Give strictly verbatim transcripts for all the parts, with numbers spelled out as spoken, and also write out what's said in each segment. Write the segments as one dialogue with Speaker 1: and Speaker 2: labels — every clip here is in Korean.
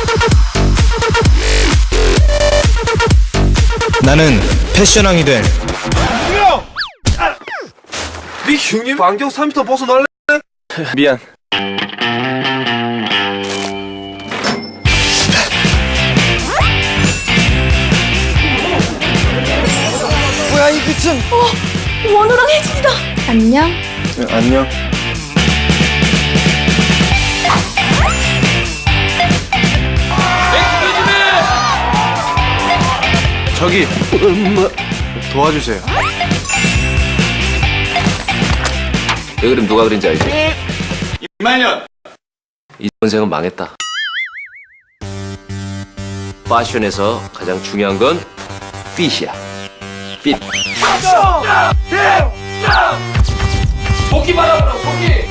Speaker 1: 나는 패션왕이 될
Speaker 2: 형! 아! 네 형님 안경 삼 미터 벗어날래?
Speaker 3: 미안.
Speaker 2: 뭐야 이 빛은?
Speaker 4: 원호랑 혜진이다. 안녕.
Speaker 3: 네, 안녕.
Speaker 2: 저기 도와주세요.
Speaker 5: 이 그림 누가 그린지 알지?
Speaker 2: 이만년.
Speaker 5: 이 선생은 망했다. 패션에서 가장 중요한 건 핏이야. 핏.
Speaker 2: 속이 받아보라 속이.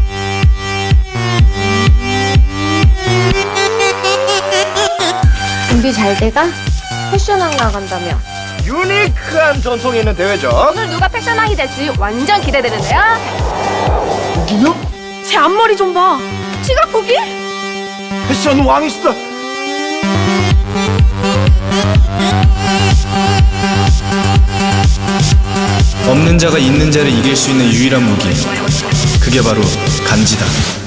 Speaker 4: 준비 잘 돼가? 패션왕 나간다며.
Speaker 2: 유니크한 전통이 있는 대회죠.
Speaker 4: 오늘 누가 패션왕이 될지 완전 기대되는데요.
Speaker 2: 여기요?
Speaker 4: 제 앞머리 좀 봐. 지각 보기?
Speaker 2: 패션 왕이시다.
Speaker 1: 없는 자가 있는 자를 이길 수 있는 유일한 무기, 그게 바로 간지다.